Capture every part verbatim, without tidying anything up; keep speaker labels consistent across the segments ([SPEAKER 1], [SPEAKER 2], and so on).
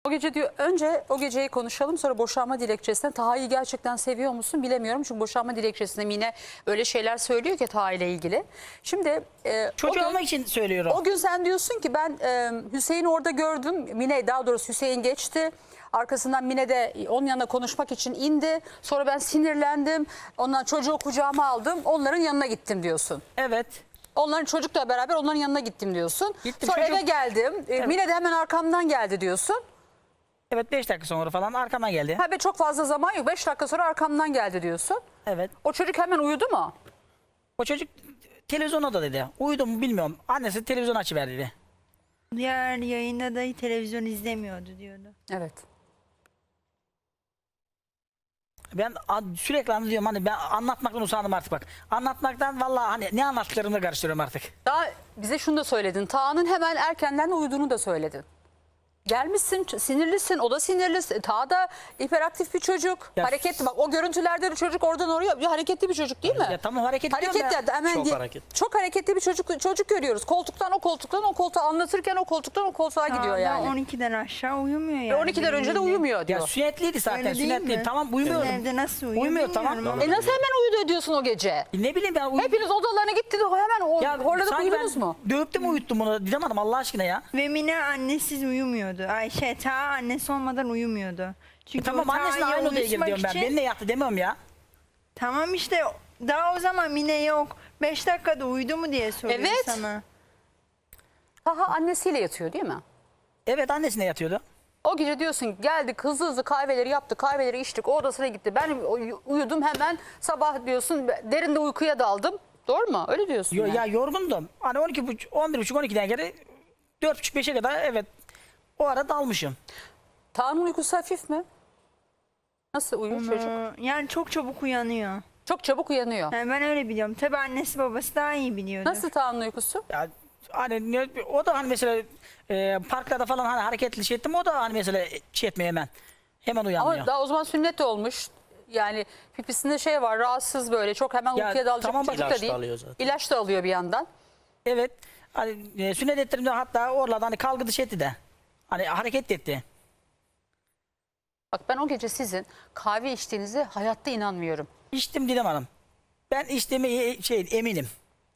[SPEAKER 1] O gece diyor, önce o geceyi konuşalım, sonra boşanma dilekçesine. Taha'yı gerçekten seviyor musun bilemiyorum. Çünkü boşanma dilekçesinde Mine öyle şeyler söylüyor ki Taha ile ilgili. Şimdi e,
[SPEAKER 2] Çocuğu
[SPEAKER 1] o gün,
[SPEAKER 2] olmak için söylüyorum.
[SPEAKER 1] o gün sen diyorsun ki ben e, Hüseyin'i orada gördüm. Mine, daha doğrusu Hüseyin geçti. Arkasından Mine de onun yanına konuşmak için indi. Sonra ben sinirlendim. Ondan çocuğu kucağıma aldım. Onların yanına gittim diyorsun.
[SPEAKER 2] Evet.
[SPEAKER 1] Onların çocukla beraber onların yanına gittim diyorsun.
[SPEAKER 2] Gittim,
[SPEAKER 1] Sonra
[SPEAKER 2] çocuk-
[SPEAKER 1] eve geldim. E,
[SPEAKER 2] Evet.
[SPEAKER 1] Mine de hemen arkamdan geldi diyorsun.
[SPEAKER 2] Evet, beş dakika sonra falan arkamdan geldi.
[SPEAKER 1] Ha be, çok fazla zaman yok. Beş dakika sonra arkamdan geldi diyorsun.
[SPEAKER 2] Evet.
[SPEAKER 1] O çocuk hemen uyudu mu?
[SPEAKER 2] O çocuk televizyona da dedi. Uyudu mu bilmiyorum. Annesi televizyon açıver dedi.
[SPEAKER 3] Diğer yayında da televizyon izlemiyordu diyordu.
[SPEAKER 1] Evet.
[SPEAKER 2] Ben a- sürekli anlatıyorum, hani ben anlatmaktan usandım artık bak. Anlatmaktan vallahi hani ne anlattıklarımı da karıştırıyorum artık.
[SPEAKER 1] Daha bize şunu da söyledin. Taha'nın hemen erkenden uyuduğunu da söyledin. Gelmişsin, sinirlisin, o da sinirli. Taha da hiperaktif bir çocuk.
[SPEAKER 2] Ya-
[SPEAKER 1] Hareketli, bak o görüntülerde de çocuk oradan oraya bir hareketli bir çocuk değil mi?
[SPEAKER 2] Ya tamam, hareket ediyorum
[SPEAKER 1] Hareketli,
[SPEAKER 2] ben.
[SPEAKER 1] hemen
[SPEAKER 4] Çok
[SPEAKER 1] diye-
[SPEAKER 4] hareketli.
[SPEAKER 1] çok hareketli bir çocuk çocuk görüyoruz. Koltuktan o koltuktan o koltuğa, anlatırken o koltuktan o koltuğa gidiyor
[SPEAKER 3] Daha
[SPEAKER 1] yani.
[SPEAKER 3] on ikiden aşağı uyumuyor yani.
[SPEAKER 1] E on ikiden önce de
[SPEAKER 3] Bildiğin.
[SPEAKER 1] uyumuyor
[SPEAKER 2] Ya
[SPEAKER 1] diyor.
[SPEAKER 2] sünnetliydi zaten,
[SPEAKER 3] Öyle değil
[SPEAKER 2] sünnetliydi.
[SPEAKER 3] mi?
[SPEAKER 2] Tamam, uyumuyorum.
[SPEAKER 3] Evde nasıl uyuyor
[SPEAKER 2] Uyumuyor, tamam.
[SPEAKER 3] bilmiyorum ama.
[SPEAKER 1] E nasıl hemen uyudu diyorsun o gece?
[SPEAKER 2] E ne bileyim ben. Uy-
[SPEAKER 1] Hepiniz odalarına gittiniz, hemen o,
[SPEAKER 2] ya
[SPEAKER 1] horladık,
[SPEAKER 2] sanki
[SPEAKER 1] uyudunuz
[SPEAKER 2] ben
[SPEAKER 1] mu?
[SPEAKER 2] dövüp de mi uyuttum bunu? Didem Hanım, Allah aşkına ya.
[SPEAKER 3] Ve Mine annesiz uyumuyordu. Ayşe ta annesi olmadan uyumuyordu.
[SPEAKER 2] E
[SPEAKER 3] Çünkü
[SPEAKER 2] tamam,
[SPEAKER 3] o
[SPEAKER 2] annesine
[SPEAKER 3] Taha'yı
[SPEAKER 2] aynı odaya gir
[SPEAKER 3] uyutmak
[SPEAKER 2] diyorum ben.
[SPEAKER 3] için-
[SPEAKER 2] Benimle yattı demiyorum ya.
[SPEAKER 3] Tamam işte daha o zaman Mine yok. Beş dakikada uyudu mu diye soruyorum
[SPEAKER 1] Evet.
[SPEAKER 3] sana.
[SPEAKER 1] Taha annesiyle yatıyor değil mi?
[SPEAKER 2] Evet, annesine yatıyordu.
[SPEAKER 1] O gece diyorsun geldik, hızlı hızlı kahveleri yaptık, kahveleri içtik, o odasına gitti. Ben uy- uyudum hemen, sabah diyorsun derinde uykuya daldım. Doğru mu? Öyle diyorsun.
[SPEAKER 2] Yo,
[SPEAKER 1] yani.
[SPEAKER 2] ya yorgundum. Hani on iki buçuk, on bir buçuk, on ikiden geri dört buçuk, beşe kadar evet o ara dalmışım.
[SPEAKER 1] Taha'nın uykusu hafif mi? Nasıl uyuyor çocuk?
[SPEAKER 3] Ee, Yani çok çabuk uyanıyor.
[SPEAKER 1] Çok çabuk uyanıyor.
[SPEAKER 3] Yani ben öyle biliyorum. Tabii annesi babası daha iyi biliyordur.
[SPEAKER 1] Nasıl Taha'nın uykusu?
[SPEAKER 2] Ya hani ne- o da hani mesela e, parklarda falan hani hareketli şey ettim, o da hani mesela şey etmiyor hemen. Hemen uyanmıyor.
[SPEAKER 1] Ama daha o zaman sünnet olmuş. Yani pipisinde şey var, rahatsız böyle, çok hemen
[SPEAKER 2] Ya
[SPEAKER 1] uykuya dalacak
[SPEAKER 2] tamam,
[SPEAKER 1] bir çocuk
[SPEAKER 4] ilaç
[SPEAKER 1] da
[SPEAKER 4] da
[SPEAKER 1] değil.
[SPEAKER 4] alıyor zaten.
[SPEAKER 1] İlaç da alıyor bir yandan.
[SPEAKER 2] Evet. Hani e, sünnet ettirimde hatta oralardan hani kalgı dışı etti de. Hani hareket de etti.
[SPEAKER 1] Bak ben o gece sizin kahve içtiğinize hayatta inanmıyorum.
[SPEAKER 2] İçtim Didem Hanım. Ben içtiğime e- şey eminim.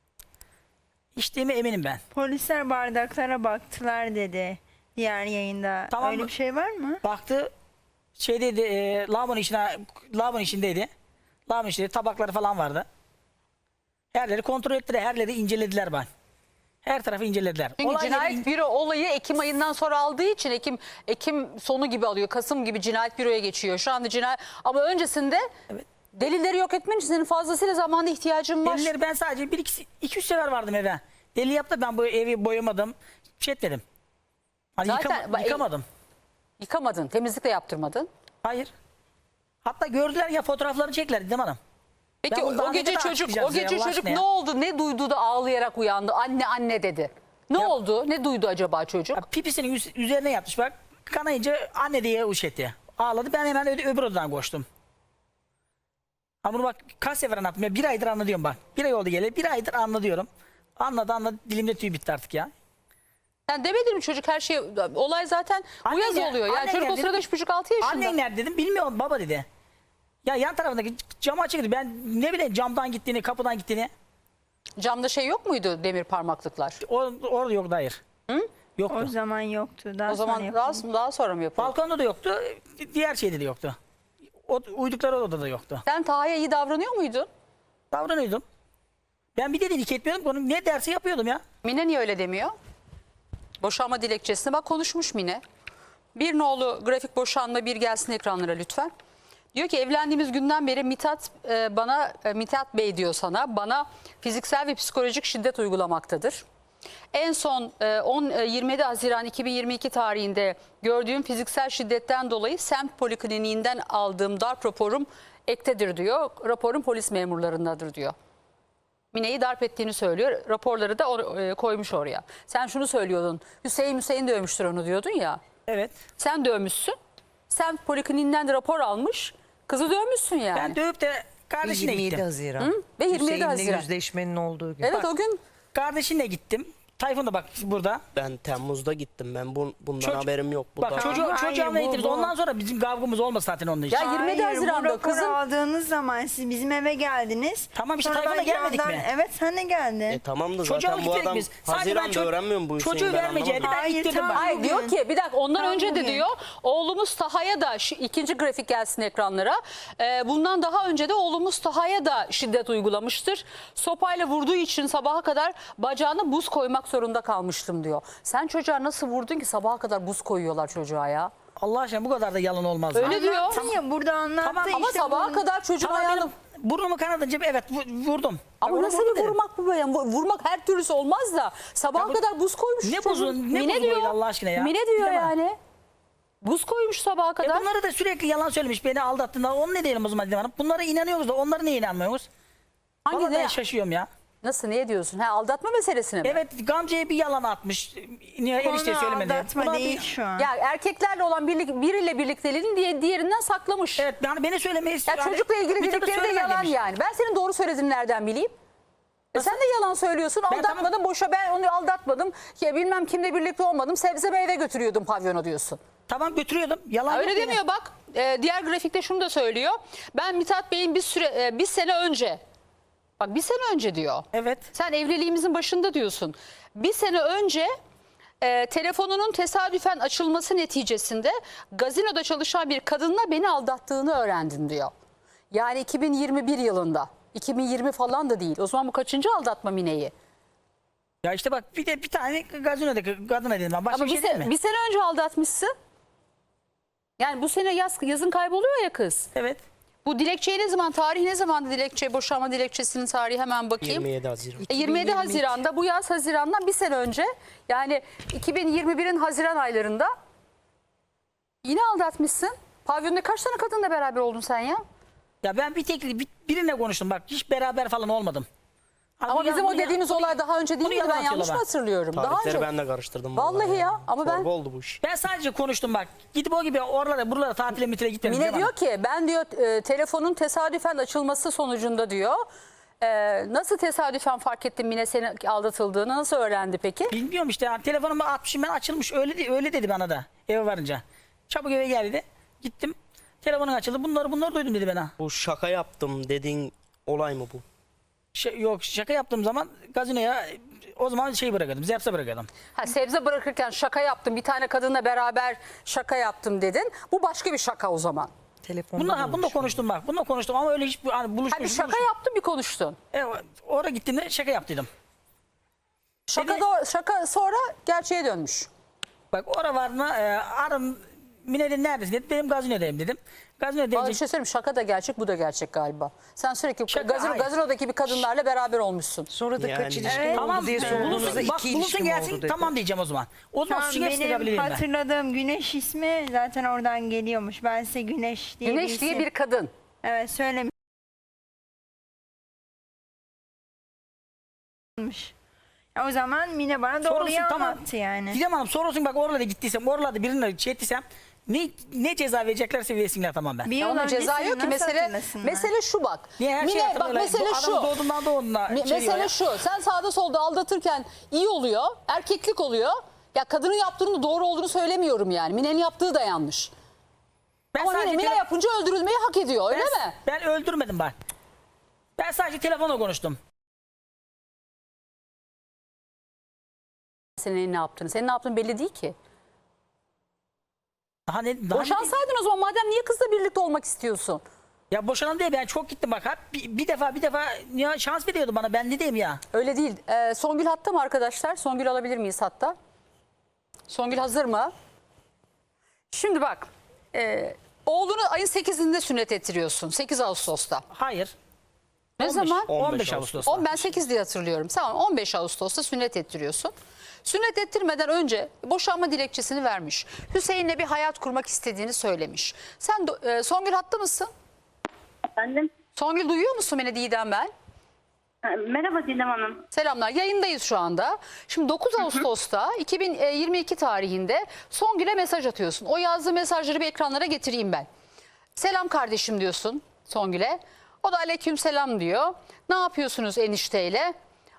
[SPEAKER 2] İçtiğime eminim ben.
[SPEAKER 3] Polisler bardaklara baktılar dedi diğer yayında.
[SPEAKER 2] Tamam
[SPEAKER 3] Öyle
[SPEAKER 2] mı?
[SPEAKER 3] bir şey var mı?
[SPEAKER 2] Baktı şeydeydi, e, lavabonun içine, lavabonun içindeydi. Lavabonun içinde tabakları falan vardı. Herleri kontrol ettiler, herleri incelediler ben. Her tarafı incelediler.
[SPEAKER 1] Çünkü
[SPEAKER 2] Olay
[SPEAKER 1] cinayet
[SPEAKER 2] yeri in-
[SPEAKER 1] büro olayı Ekim ayından sonra aldığı için Ekim Ekim sonu gibi alıyor. Kasım gibi cinayet büroya geçiyor. Şu anda cinayet, ama öncesinde
[SPEAKER 2] Evet.
[SPEAKER 1] delilleri yok etmen için senin fazlasıyla zamana ihtiyacın var.
[SPEAKER 2] Delileri ben sadece bir iki, iki üç sefer vardım eve. Deli yaptı, ben bu evi boyamadım. Şey etmedim. Hani
[SPEAKER 1] Zaten
[SPEAKER 2] yıkama-
[SPEAKER 1] bak-
[SPEAKER 2] yıkamadım.
[SPEAKER 1] Yıkamadın, temizlik de yaptırmadın.
[SPEAKER 2] Hayır. Hatta gördüler ya, fotoğraflarını çektiler Didem Hanım.
[SPEAKER 1] Peki
[SPEAKER 2] Ben
[SPEAKER 1] o,
[SPEAKER 2] bunu daha
[SPEAKER 1] o
[SPEAKER 2] ne
[SPEAKER 1] gece
[SPEAKER 2] kadar
[SPEAKER 1] çocuk
[SPEAKER 2] açıklayacağım
[SPEAKER 1] o
[SPEAKER 2] size
[SPEAKER 1] gece
[SPEAKER 2] Allah
[SPEAKER 1] çocuk
[SPEAKER 2] aşkına ya?
[SPEAKER 1] ne oldu? Ne duydu da ağlayarak uyandı? Anne anne dedi. Ne
[SPEAKER 2] Ya-
[SPEAKER 1] oldu? Ne duydu acaba çocuk?
[SPEAKER 2] Ya pipisinin üz- üzerine yatmış bak. Kanayınca anne diye uş etti. Ağladı, ben hemen öde- öbür odadan koştum. Ha bunu bak kaç sefer anlattım ya, bir aydır anlatıyorum bak. Bir ay oldu geleli, bir aydır anlatıyorum. Anladı anladı, dilimde tüy bitti artık ya.
[SPEAKER 1] Sen demedin mi çocuk her şey, olay zaten bu
[SPEAKER 2] Annen
[SPEAKER 1] yaz
[SPEAKER 2] gel-
[SPEAKER 1] oluyor. Yani
[SPEAKER 2] annen
[SPEAKER 1] çocuk o
[SPEAKER 2] gel
[SPEAKER 1] sırada
[SPEAKER 2] dedim.
[SPEAKER 1] üç buçuk altı yaşında.
[SPEAKER 2] Annen nerede dedim, bilmiyorum baba dedi. Ya yan tarafındaki camı açık dedi. Ben ne bileyim camdan gittiğini, kapıdan gittiğini.
[SPEAKER 1] Camda şey yok muydu, demir parmaklıklar?
[SPEAKER 2] O, orada yoktu, hayır. Yoktu.
[SPEAKER 3] O zaman yoktu. Daha
[SPEAKER 1] O zaman
[SPEAKER 3] sonra
[SPEAKER 1] daha,
[SPEAKER 3] yapıldı.
[SPEAKER 1] daha sonra mı yapıldı?
[SPEAKER 2] Balkonda da yoktu, diğer şeyde de yoktu. O, uydukları odada da yoktu.
[SPEAKER 1] Sen Taha'ya iyi davranıyor muydun?
[SPEAKER 2] Davranıyordum. Ben bir dediğini etmiyordum. Onun ne dersi yapıyordum ya.
[SPEAKER 1] Mine niye öyle demiyor? Boşanma dilekçesine bak, konuşmuş Mine. Bir nolu grafik boşanma bir gelsin ekranlara lütfen. Diyor ki evlendiğimiz günden beri Mithat e, bana e, Mithat Bey diyor sana bana fiziksel ve psikolojik şiddet uygulamaktadır. En son e, on e, yirmi yedi Haziran iki bin yirmi iki tarihinde gördüğüm fiziksel şiddetten dolayı semt polikliniğinden aldığım darp raporum ektedir diyor. Raporum polis memurlarındadır diyor. Mine'yi darp ettiğini söylüyor. Raporları da or- e, koymuş oraya. Sen şunu söylüyordun. Hüseyin Hüseyin dövmüştür onu diyordun ya.
[SPEAKER 2] Evet.
[SPEAKER 1] Sen dövmüşsün. Sen polikliniğinden de rapor almış. Kızı dövmüşsün yani.
[SPEAKER 2] Ben dövüp de kardeşine
[SPEAKER 5] yirmi yedi
[SPEAKER 2] gittim.
[SPEAKER 5] Haziran.
[SPEAKER 1] Hı? Ve yirmi yedi
[SPEAKER 5] Hüseyin'le
[SPEAKER 1] Haziran.
[SPEAKER 5] yüzleşmenin olduğu gün.
[SPEAKER 1] Evet
[SPEAKER 2] Bak,
[SPEAKER 1] o gün
[SPEAKER 2] Kardeşine gittim. Tayfun da bak burada.
[SPEAKER 4] Ben Temmuz'da gittim. Ben bu, bundan
[SPEAKER 2] Çocuk-
[SPEAKER 4] haberim yok. Bu
[SPEAKER 2] Bak
[SPEAKER 4] da-
[SPEAKER 2] çocuğu,
[SPEAKER 3] Hayır,
[SPEAKER 2] çocuğuna
[SPEAKER 3] bu-
[SPEAKER 2] gittiniz.
[SPEAKER 3] bu-
[SPEAKER 2] Ondan sonra bizim kavgamız olmaz zaten onun için.
[SPEAKER 1] Ya yirmi yedi
[SPEAKER 3] Hayır,
[SPEAKER 1] Haziran'da
[SPEAKER 3] bu raporu
[SPEAKER 1] kızın-
[SPEAKER 3] aldığınız zaman siz bizim eve geldiniz.
[SPEAKER 2] Tamam işte
[SPEAKER 3] Sonra
[SPEAKER 2] Tayfun'la
[SPEAKER 3] ben
[SPEAKER 2] gelmedik
[SPEAKER 3] yandan-
[SPEAKER 2] mi?
[SPEAKER 3] Evet sen de geldin.
[SPEAKER 4] E tamam da
[SPEAKER 2] Çocuğa
[SPEAKER 4] zaten bu
[SPEAKER 2] gittik
[SPEAKER 4] adam
[SPEAKER 2] biz. Sadece ben
[SPEAKER 4] Haziran'da
[SPEAKER 2] çocuk-
[SPEAKER 4] öğrenmiyor bu
[SPEAKER 2] çocuğu
[SPEAKER 4] Hüseyin, ben
[SPEAKER 2] vermeyecekti.
[SPEAKER 4] anlamadım.
[SPEAKER 2] Ben
[SPEAKER 3] Hayır,
[SPEAKER 2] ittirdim
[SPEAKER 3] tam-
[SPEAKER 2] bak.
[SPEAKER 1] Hayır diyor
[SPEAKER 3] bugün.
[SPEAKER 1] ki bir dakika ondan
[SPEAKER 3] Tam
[SPEAKER 1] önce de
[SPEAKER 3] bugün.
[SPEAKER 1] diyor oğlumuz Taha'ya da şu ikinci grafik gelsin ekranlara. Ee, bundan daha önce de oğlumuz Taha'ya da şiddet uygulamıştır. Sopayla vurduğu için sabaha kadar bacağına buz koymak zorunda kalmıştım diyor. Sen çocuğa nasıl vurdun ki sabaha kadar buz koyuyorlar çocuğa ya?
[SPEAKER 2] Allah aşkına bu kadar da yalan olmaz.
[SPEAKER 1] Öyle
[SPEAKER 2] lan.
[SPEAKER 1] diyor.
[SPEAKER 3] Anlattın ya burada anlattı
[SPEAKER 2] Tamam,
[SPEAKER 3] işte.
[SPEAKER 1] Ama sabaha
[SPEAKER 3] bunu-
[SPEAKER 1] kadar çocuğun
[SPEAKER 2] Tamam
[SPEAKER 1] ayağını...
[SPEAKER 2] benim burnumu kanadınca evet vu- vurdum.
[SPEAKER 1] Ama
[SPEAKER 2] Bak,
[SPEAKER 1] nasıl
[SPEAKER 2] onu
[SPEAKER 1] bir
[SPEAKER 2] vurdum dedim.
[SPEAKER 1] vurmak bu böyle? Bu- Vurmak her türlüsü olmaz da sabaha
[SPEAKER 2] Ya bu-
[SPEAKER 1] kadar buz koymuş.
[SPEAKER 2] Ne
[SPEAKER 1] çocuğun.
[SPEAKER 2] buzu- ne
[SPEAKER 1] Mine
[SPEAKER 2] buzu
[SPEAKER 1] diyor.
[SPEAKER 2] böyle Allah aşkına ya?
[SPEAKER 1] Mine diyor
[SPEAKER 2] Bilemem.
[SPEAKER 1] yani. Buz koymuş sabaha
[SPEAKER 2] E
[SPEAKER 1] kadar.
[SPEAKER 2] bunları da sürekli yalan söylemiş. Beni aldattığında onu ne diyelim o zaman Didem Hanım? Bunlara inanıyoruz da onlara niye inanmıyoruz?
[SPEAKER 1] Hangi
[SPEAKER 2] Vallahi
[SPEAKER 1] ne?
[SPEAKER 2] ben şaşıyorum ya.
[SPEAKER 1] Nasıl ne diyorsun? Ha, aldatma meselesine mi?
[SPEAKER 2] Evet Gamze'ye bir yalan atmış. Niye
[SPEAKER 3] Konu
[SPEAKER 2] enişte söylemedi?
[SPEAKER 3] aldatma
[SPEAKER 2] Buna
[SPEAKER 3] değil
[SPEAKER 2] bir-
[SPEAKER 3] şu an.
[SPEAKER 1] Ya erkeklerle olan birlik, biriyle birlikteliğini diye, diğerinden saklamış.
[SPEAKER 2] Evet yani beni söylemeyi
[SPEAKER 1] Ya
[SPEAKER 2] istiyor.
[SPEAKER 1] çocukla ilgili
[SPEAKER 2] Bir tabii
[SPEAKER 1] dedikleri de
[SPEAKER 2] söyleme
[SPEAKER 1] yalan
[SPEAKER 2] demiş.
[SPEAKER 1] yani. Ben senin doğru söylediğini nereden bileyim? E sen de yalan söylüyorsun.
[SPEAKER 2] Ben
[SPEAKER 1] Aldatmadım
[SPEAKER 2] tamam-
[SPEAKER 1] boşa ben onu aldatmadım. Ya bilmem kimle birlikte olmadım. Sebze meyve götürüyordum pavyona diyorsun.
[SPEAKER 2] Tamam götürüyordum. Yalan
[SPEAKER 1] Öyle
[SPEAKER 2] yok benim.
[SPEAKER 1] demiyor bak. Ee, diğer grafikte şunu da söylüyor. Ben Mithat Bey'in bir süre e, bir sene önce bak bir sene önce diyor.
[SPEAKER 2] Evet.
[SPEAKER 1] Sen evliliğimizin başında diyorsun. Bir sene önce e, telefonunun tesadüfen açılması neticesinde gazinoda çalışan bir kadınla beni aldattığını öğrendim diyor. Yani iki bin yirmi bir yılında. iki bin yirmi falan da değil. O zaman bu kaçıncı aldatma Mine'yi?
[SPEAKER 2] Ya işte bak bir de bir tane gazinodaki kadına dedim ben. Başka
[SPEAKER 1] Ama
[SPEAKER 2] bir
[SPEAKER 1] bir,
[SPEAKER 2] şey değil
[SPEAKER 1] se-
[SPEAKER 2] mi?
[SPEAKER 1] bir sene önce aldatmışsın. Yani bu sene yaz, yazın kayboluyor ya kız.
[SPEAKER 2] Evet.
[SPEAKER 1] Bu dilekçeyi ne zaman, tarihi ne zamandı dilekçe, boşanma dilekçesinin tarihi hemen bakayım.
[SPEAKER 4] yirmi yedi Haziran.
[SPEAKER 1] E, yirmi yedi Haziran'da bu yaz Haziran'dan bir sene önce yani iki bin yirmi birin Haziran aylarında yine aldatmışsın. Pavyonda kaç tane kadınla beraber oldun sen ya?
[SPEAKER 2] Ya ben bir tek bir, birine konuştum bak. Hiç beraber falan olmadım. Hani
[SPEAKER 1] Ama
[SPEAKER 2] bu ya-
[SPEAKER 1] bizim
[SPEAKER 2] bunu
[SPEAKER 1] o
[SPEAKER 2] ya-
[SPEAKER 1] dediğimiz olay daha önce değil
[SPEAKER 2] bunu
[SPEAKER 1] miydi? Ben
[SPEAKER 2] yalan
[SPEAKER 1] yanlış mı
[SPEAKER 2] atıyorlar bak.
[SPEAKER 1] hatırlıyorum? Daha
[SPEAKER 4] Tarihleri
[SPEAKER 1] önce.
[SPEAKER 4] ben de karıştırdım.
[SPEAKER 1] Vallahi ya, ama ben-
[SPEAKER 4] Çorba oldu bu iş.
[SPEAKER 2] Ben sadece konuştum bak. Gidip o gibi oralara buralara tatile mitile gitmedim.
[SPEAKER 1] Mine
[SPEAKER 2] Didem
[SPEAKER 1] diyor
[SPEAKER 2] Hanım.
[SPEAKER 1] ki ben diyor e, telefonun tesadüfen açılması sonucunda diyor. e, nasıl tesadüfen fark ettin Mine senin aldatıldığını nasıl öğrendi peki?
[SPEAKER 2] Bilmiyorum işte yani telefonumu atmışım ben açılmış öyle de- öyle dedi bana da eve varınca. Çabuk eve geldi. Gittim. Telefonun açıldı. Bunları bunları duydum dedi bana.
[SPEAKER 4] Bu şaka yaptım dediğin olay mı bu?
[SPEAKER 2] Şey, yok şaka yaptığım zaman gazinoya o zaman şey bırakıyordum. Zepse bırakıyordum.
[SPEAKER 1] Ha, sebze bırakırken şaka yaptım bir tane kadınla beraber şaka yaptım dedin. Bu başka bir şaka o zaman.
[SPEAKER 5] Telefonda
[SPEAKER 2] Bununla, ha, bununla
[SPEAKER 5] bulmuş.
[SPEAKER 2] konuştum bak. Bununla konuştum ama öyle hiç hani buluşmuş.
[SPEAKER 1] Ha, bir şaka
[SPEAKER 2] buluşmuş.
[SPEAKER 1] yaptın bir konuştun.
[SPEAKER 2] E, oraya gittiğimde şaka yaptıydım.
[SPEAKER 1] Şaka,
[SPEAKER 2] Beni-
[SPEAKER 1] da, şaka sonra gerçeğe dönmüş.
[SPEAKER 2] Bak oraya vardığında e, arın Mine dedi neredesin dedi. Benim gazinodayım dedim. Gazino
[SPEAKER 1] Bana bir
[SPEAKER 2] deyince
[SPEAKER 1] şey söyleyeyim şaka da gerçek bu da gerçek galiba. Sen sürekli
[SPEAKER 2] Şaka,
[SPEAKER 1] gazino,
[SPEAKER 2] hayır.
[SPEAKER 1] gazinodaki bir kadınlarla beraber olmuşsun.
[SPEAKER 5] Sonra da
[SPEAKER 4] Yani-
[SPEAKER 5] kaç ilişkin
[SPEAKER 3] Evet.
[SPEAKER 5] oldu
[SPEAKER 2] tamam
[SPEAKER 5] diye sorduğunuzda
[SPEAKER 2] bulunsun, bak
[SPEAKER 5] iki
[SPEAKER 2] bulunsun
[SPEAKER 5] ilişkim
[SPEAKER 2] gelsin
[SPEAKER 5] oldu dedi.
[SPEAKER 2] tamam diyeceğim o zaman. O zaman
[SPEAKER 3] Tamam,
[SPEAKER 2] suçu hepsini
[SPEAKER 3] benim
[SPEAKER 2] yapabilirim ben.
[SPEAKER 3] hatırladığım Güneş ismi zaten oradan geliyormuş. Ben size Güneş diye
[SPEAKER 1] Güneş
[SPEAKER 3] bir
[SPEAKER 1] diye
[SPEAKER 3] isim-
[SPEAKER 1] bir kadın.
[SPEAKER 3] Evet söylemiş. Ya o zaman Mine bana doğruyu
[SPEAKER 2] Sonrası tamam.
[SPEAKER 3] anlattı yani.
[SPEAKER 2] Didem Hanım sorulsun bak oralarda gittiysem oralarda birine şey ettiysem ne, ne ceza vereceklerse versinler tamam ben.
[SPEAKER 3] Bir
[SPEAKER 1] Ya
[SPEAKER 3] yıl
[SPEAKER 1] onun ceza
[SPEAKER 3] öncesini
[SPEAKER 1] yok ki
[SPEAKER 3] nasıl
[SPEAKER 1] mesele
[SPEAKER 3] hatırlasınlar?
[SPEAKER 1] mesele şu bak.
[SPEAKER 2] Niye her şey
[SPEAKER 1] Mine, bak
[SPEAKER 2] hatırlıyorlar?
[SPEAKER 1] mesele
[SPEAKER 2] Bu
[SPEAKER 1] şu.
[SPEAKER 2] adam doğduğundan doğduğuna
[SPEAKER 1] Me-
[SPEAKER 2] şey diyor
[SPEAKER 1] mesele
[SPEAKER 2] ya.
[SPEAKER 1] şu. Sen sağda solda aldatırken iyi oluyor. Erkeklik oluyor. Ya kadının yaptığının doğru olduğunu söylemiyorum yani. Mine'nin yaptığı da yanlış.
[SPEAKER 2] Ben
[SPEAKER 1] Ama Mine,
[SPEAKER 2] sadece
[SPEAKER 1] Mine
[SPEAKER 2] tele-
[SPEAKER 1] yapınca öldürülmeyi hak ediyor öyle
[SPEAKER 2] ben,
[SPEAKER 1] mi?
[SPEAKER 2] Ben öldürmedim bak. Ben sadece telefonla konuştum.
[SPEAKER 1] Senin ne yaptığını. Senin ne yaptığın belli değil ki.
[SPEAKER 2] Daha ne, daha ne-
[SPEAKER 1] Boşansaydın o zaman madem niye kızla birlikte olmak istiyorsun?
[SPEAKER 2] Ya boşanan diye ben çok gittim bak. Hep bir, bir defa bir defa ya şans veriyordu bana ben ne diyeyim ya.
[SPEAKER 1] Öyle değil. Ee, Songül hatta mı arkadaşlar? Songül alabilir miyiz hatta? Songül hazır mı? Şimdi bak. E, oğlunu ayın sekizinde sünnet ettiriyorsun. sekiz Ağustos'ta.
[SPEAKER 2] Hayır.
[SPEAKER 1] Ne
[SPEAKER 2] on beş
[SPEAKER 1] zaman?
[SPEAKER 2] on beş Ağustos'ta.
[SPEAKER 1] On, ben sekiz diye hatırlıyorum. Tamam on beş Ağustos'ta sünnet ettiriyorsun. Sünnet ettirmeden önce boşanma dilekçesini vermiş. Hüseyin'le bir hayat kurmak istediğini söylemiş. Sen do- e, Songül hatta mısın?
[SPEAKER 6] Efendim?
[SPEAKER 1] Songül duyuyor musun beni Didem ben?
[SPEAKER 6] Ha, Merhaba Didem Hanım.
[SPEAKER 1] Selamlar. Yayındayız şu anda. Şimdi dokuz Ağustos'ta iki bin yirmi iki tarihinde Songül'e mesaj atıyorsun. O yazdığı mesajları bir ekranlara getireyim ben. Selam kardeşim diyorsun Songül'e. O da aleyküm selam diyor. Ne yapıyorsunuz enişteyle?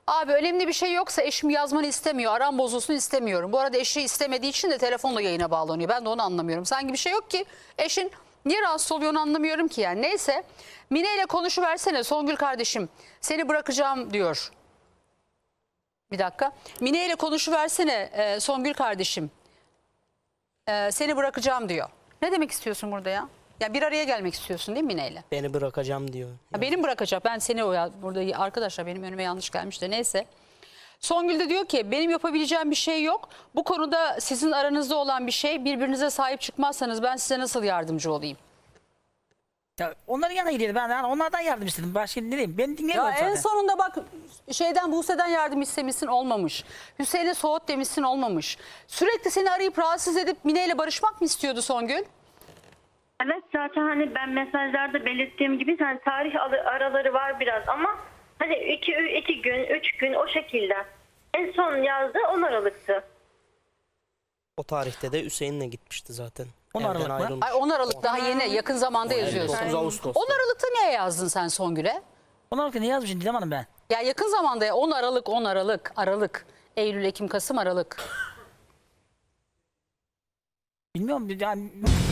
[SPEAKER 1] Abi önemli bir şey yoksa eşim yazmanı istemiyor. Aram bozulsun istemiyorum. Bu arada eşi istemediği için de telefonla yayına bağlanıyor. Ben de onu anlamıyorum. Sanki bir şey yok ki. Eşin niye rahatsız oluyor onu anlamıyorum ki yani. Neyse Mine ile konuşuversene Songül kardeşim. Seni bırakacağım diyor. Bir dakika. Mine ile konuşuversene e, Songül kardeşim. E, seni bırakacağım diyor. Ne demek istiyorsun burada ya? Ya bir araya gelmek istiyorsun değil mi Mine ile?
[SPEAKER 4] Beni bırakacağım diyor.
[SPEAKER 1] Ha, benim bırakacak. Ben seni o ya, burada arkadaşlar benim önüme yanlış gelmiş de neyse. Songül de diyor ki benim yapabileceğim bir şey yok. Bu konuda sizin aranızda olan bir şey. Birbirinize sahip çıkmazsanız ben size nasıl yardımcı olayım?
[SPEAKER 2] Ya onların yanına gidiyordu. Ben yani onlardan yardım istedim. Başka ne diyeyim? Beni
[SPEAKER 1] Ya
[SPEAKER 2] dinlemiyor zaten.
[SPEAKER 1] en sonunda bak şeyden Buse'den yardım istemişsin olmamış. Hüseyin'e soğut demişsin olmamış. Sürekli seni arayıp rahatsız edip Mine ile barışmak mı istiyordu Songül?
[SPEAKER 6] Evet zaten hani ben mesajlarda belirttiğim gibi hani tarih alı- araları var biraz ama hani iki, iki gün, üç gün o şekilde. En son yazdığı on Aralık'tı.
[SPEAKER 4] O tarihte de Hüseyin'le gitmişti zaten.
[SPEAKER 2] on
[SPEAKER 4] Evden
[SPEAKER 2] Aralık mı?
[SPEAKER 4] ayrılmış.
[SPEAKER 1] Ay on Aralık daha yeni yakın zamanda yazıyorsun.
[SPEAKER 4] dokuz Ağustos'ta.
[SPEAKER 1] on Aralık'ta niye yazdın sen Songül'e?
[SPEAKER 2] Onlar ne yazmışsın Didem Hanım ben?
[SPEAKER 1] Ya yakın zamanda ya on Aralık, on Aralık, Aralık, Eylül, Ekim, Kasım, Aralık.
[SPEAKER 2] Bilmiyorum yani